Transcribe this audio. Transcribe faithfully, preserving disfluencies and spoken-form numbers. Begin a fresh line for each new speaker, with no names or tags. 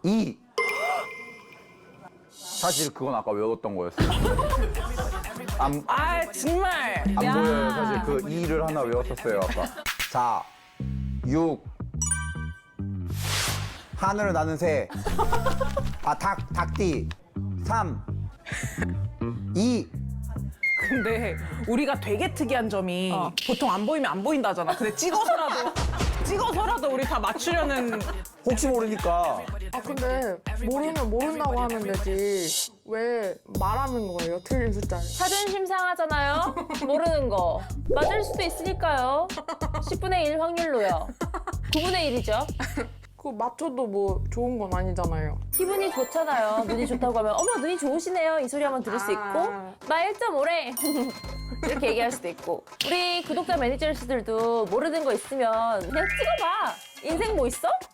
이. 사실 그건 아까 외웠던 거였어요. 안,
아 정말.
안
야.
보여요. 사실 그 이를 하나 외웠었어요, 아까. 사, 육. 하늘을 나는 새. 아, 닭, 닭띠. 삼, 이.
근데 우리가 되게 특이한 점이
어.
보통 안 보이면 안 보인다잖아. 근데 찍어서라도 찍어서라도 우리 다 맞추려는.
혹시 모르니까.
아 근데 모르면 모른다고 하면 되지 왜 말하는 거예요? 틀린 숫자를.
자존심 상하잖아요. 모르는 거. 맞을 수도 있으니까요. 십분의 일 확률로요. 구분의 일이죠.
그거 맞춰도 뭐 좋은 건 아니잖아요.
기분이 좋잖아요. 눈이 좋다고 하면 어머 눈이 좋으시네요. 이 소리 한번 들을 수 있고
아.
나 일 점 오래 이렇게 얘기할 수도 있고 우리 구독자 매니저들도 모르는 거 있으면 그냥 찍어봐. 인생 뭐 있어?